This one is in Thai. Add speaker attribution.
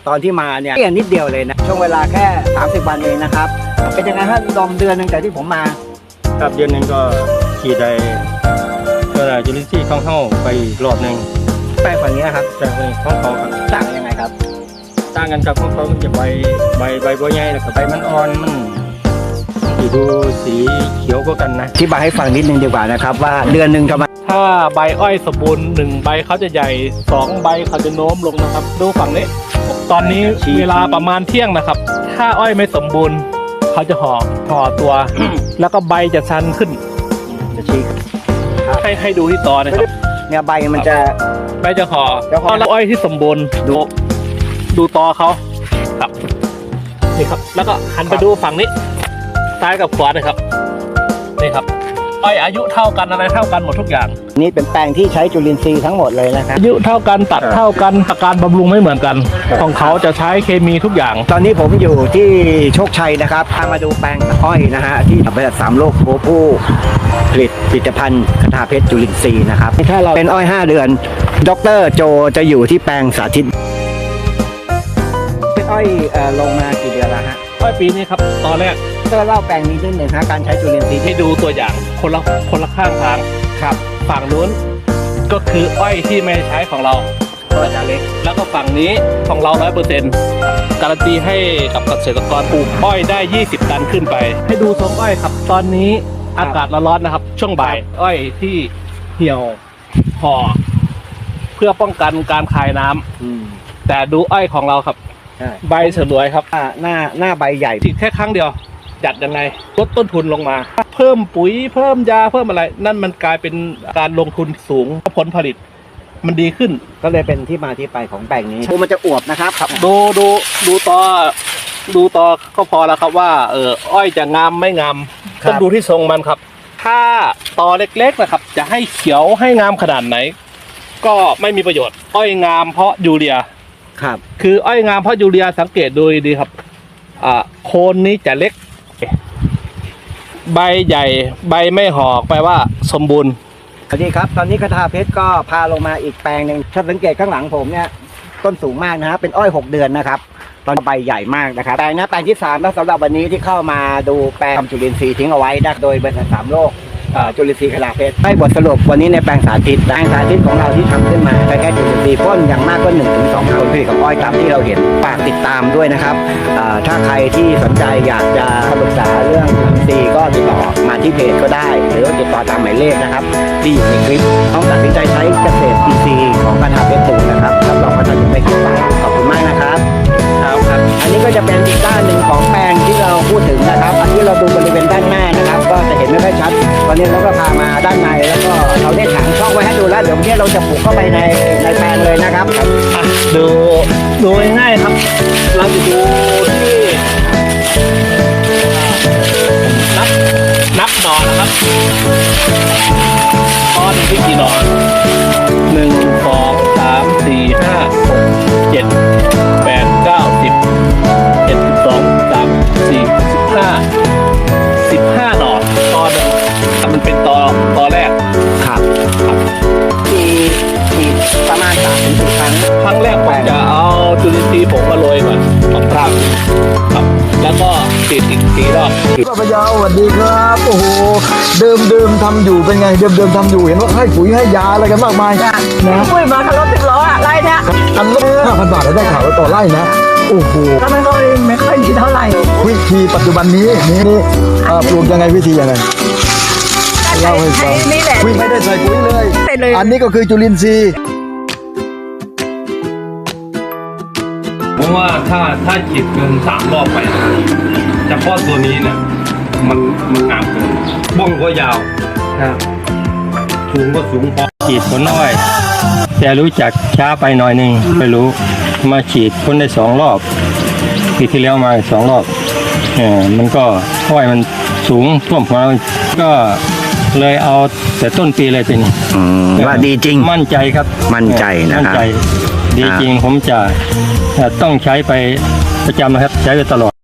Speaker 1: ตอนที่มาเนี่ยเพียงนิดเดียวเลยนะช่วงเวลาแค่30 วันเองนะครับเป็นยังไงฮะดอมเดือนหนึ่งแต่ที่ผมมา
Speaker 2: ครับเดือนหนึ่งก็ฉีดได้ก็ได้จุลินทรีย์เข้าไปอีกรอบหนึ่ง
Speaker 1: แป้งฝั่งนี้นะครับ
Speaker 2: จากในของเขาครับ
Speaker 1: ต่างกันยังไงครับ
Speaker 2: ต่างกันกับของเขามันจะใบบัวใหญ่แล้วก็ใบมันอ่อนมันสีดูสีเขียวกว่ากันนะ
Speaker 1: อธิบายให้ฟังนิดนึงดีกว่านะครับว่าเดือนหนึ่งทำไม
Speaker 3: ถ้าใบอ้อยสมบูรณ์1ใบเขาจะใหญ่2ใบเขาจะโน้มลงนะครับดูฝั่งนี้ ตอนนี้เวลาประมาณเที่ยงนะครับ ถ้าอ้อยไม่สมบูรณ์เขาจะห่อตัว แล้วก็ใบจะชันขึ้น
Speaker 1: จะชี้
Speaker 3: ให้ดูที่ตอนะครับ
Speaker 1: เนี่ยใบมันจะ
Speaker 3: ใบจะห่อ
Speaker 1: จะห่อ
Speaker 3: แล้วอ้อยที่สมบูรณ์ดูตอเขาครับนี่ครับ แล้วก็หันไปดูฝั่งนี้ซ้ายกับขวานะครับนี่ครับอ้อยอายุเท่ากันอะไรเท่ากันหมดทุกอย่าง
Speaker 1: นี่เป็นแปลงที่ใช้จุลินทรีย์ทั้งหมดเลยนะครับ
Speaker 3: อายุเท่ากันตัดเท่ากันอาการบำรุงไม่เหมือนกัน ของเขาจะใช้เคมีทุกอย่าง
Speaker 1: ตอนนี้ผมอยู่ที่โชคชัยนะครับพามาดูแปลงอ้อยนะฮะที่บริษัท3 โลกผู้ผลิตภัณฑ์คทาเพชรจุลินทรีย์นะครับถ้าเราเป็นอ้อย5 เดือนดร.โจจะอยู่ที่แปลงสาธิตเป็นอ้อยลงมากี่เดือนแล้วฮะ
Speaker 3: อ้อยปีนี้ครับตอนแรก
Speaker 1: ก็เล่าแปลงนี้นิดหนึ่งฮะการใช้จุลินทรีย์
Speaker 3: ให้ดูตัวอย่างคนละข้างทาง
Speaker 1: ครับ
Speaker 3: ฝั่งนู้นก็คืออ้อยที่ไม่ใช้ของเรา
Speaker 1: ก็จะเล็ก
Speaker 3: แล้วก็ฝั่งนี้ของเรา 100%การันตีให้กับเกษตรกรปลูกอ้อยได้20 ตันขึ้นไป ให้ดูทรงอ้อยครับ ตอนนี้อากาศร้อนๆนะครับ ช่วงบ่ายอ้อยที่เหี่ยวห่อเพื่อป้องกันการคายน้ำแต่ดูอ้อยของเราครับ
Speaker 1: ใช่
Speaker 3: ใบฉลวยครับ
Speaker 1: หน้าใบใหญ่
Speaker 3: ฉีดแค่ครั้งเดียวจัดยังไงลดต้นทุนลงมา เพิ่มปุ๋ยเพิ่มยาเพิ่มอะไร นั่นมันกลายเป็นการลงทุนสูงผลผลิต มันดีขึ้น
Speaker 1: ก็เลยเป็นที่มาที่ไปของแปลงนี้มันจะอวบนะครับ
Speaker 3: ดูต่อก็พอแล้วครับว่าอ้อยจะงามไม่งาม
Speaker 1: ครับ
Speaker 3: ต้องดูที่ทรงมันครับ ถ้าตอเล็กๆนะครับ จะให้เขียวให้งามขนาดไหน ก็ไม่มีประโยชน์ อ้อยงามเพราะยูเรีย
Speaker 1: ครับ
Speaker 3: คืออ้อยงามเพราะยูเรียสังเกตดูดีครับโคนนี้จะเล็ก ใบใหญ่ใบไม่หอกแปลว่าสมบูรณ์
Speaker 1: สวัสดีครับตอนนี้คทาเพชรก็พาลงมาอีกแปลงหนึ่งถ้าสังเกตข้างหลังผมเนี่ยต้นสูงมากนะฮะเป็นอ้อย6 เดือนนะครับตอนใบใหญ่มากนะครับแปลงนี้แปลงที่3แล้วสำหรับวันนี้ที่เข้ามาดูแปลงจุลินทรีย์ทิ้งเอาไว้นะโดยบริษัท3 โลกจุลินทรีย์คทาเพชรให้บทสรุปวันนี้ในแปลงสาธิตของเราที่ทำขึ้นมาแค่จุลินทรีย์พ่นอย่างมากก็1 ถึง 2 ผลผลิตของอ้อยตามที่เราเห็นฝากติดตามด้วยนะครับถ้าใครที่สนใจอยากจะปรึกษาเรื่องจุลินทรีย์ก็ติดต่อมาที่เพจก็ได้หรือว่าติดต่อตามหมายเลขนะครับที่อยู่ในคลิปต้องตัดสินใจใช้เกษตรอินทรีย์ของคทาเพชรปลูกนะครับรับรองว่าท่านจะไม่ผิดหวังขอบคุณมากนะครับครับอันนี้ก็จะเป็นอีกด้านหนึ่งของแปลงที่เราพูดถึงนะครับอันที่เราดูบริเวณด้านหน้านะครับก็จะเห็นไม่ค่อยชัดวันนี้เราก็พามาด้านในแล้วก็เราได้ถางช่องไว้ให้ดูแล้วเดี๋ยววันนี้เราจะปลูกเข้าไปในแปลงเลยนะครับ
Speaker 3: ดูง่ายๆครับ เราจะดูที่นับหน่อนะครับตอนที่กี่หน่อ1 2 3 4 5 6 7 8 9 10 11 12 13 14 15หน่อตอนหนึ่งมันเป็นตอแรก
Speaker 1: ครับมีประมาณ3 ถึง 4 ครั้ง
Speaker 3: ครั้งแรกผมจะเอาจุลินทรีย์ผมมาโรยก่อนครับแล้วก็ฉีดอีก4 รอบ
Speaker 4: ป้าพยาวสวัสดีครับโอ้โหเดิมทำอยู่เป็นไงเดิมทำอยู่เห็นว่าให้ปุ๋ยให้ยาอะไรกันมากมายนะ
Speaker 5: ปุ้ยมาขับรถ10 ล้ออะไรเนี่ย
Speaker 4: อันละ5,000 บาทได้ข่าวว่าต่อไร่นะโอ้โห
Speaker 5: ก็ไม่ค่อยดีเท่าไหร่
Speaker 4: วิธีปัจจุบันนี้นี่ปลูกยังไงวิธียังไงเล่าให้ฟัง
Speaker 5: นี่แหละ
Speaker 4: ไม่ได้ใส่ปุ๋ยเลย
Speaker 5: ใส่เลย
Speaker 4: อันนี้ก็คือจุลินทรีย์
Speaker 2: ผมว่าถ้าฉีดเกิน3 รอบไปเฉพาะตัวนี้เนี่ยมันงามเกินบ้องก็ยาวสูงก็สูงพอฉีดผลน้อยแต่รู้จักช้าไปหน่อยหนึ่งไม่รู้มาฉีดพ่นได้2 รอบปีที่แล้วมา2 รอบมันก็อ้อยมันสูงท่วมหัวก็เลยเอาแต่ต้นปีเลยเป็น
Speaker 1: ว่าดีจริง
Speaker 2: มั่นใจครับ
Speaker 1: มั่นใจนะครับ
Speaker 2: มั่นใจดีจริงผมจะต้องใช้ไปประจำนะครับใช้ไปตลอด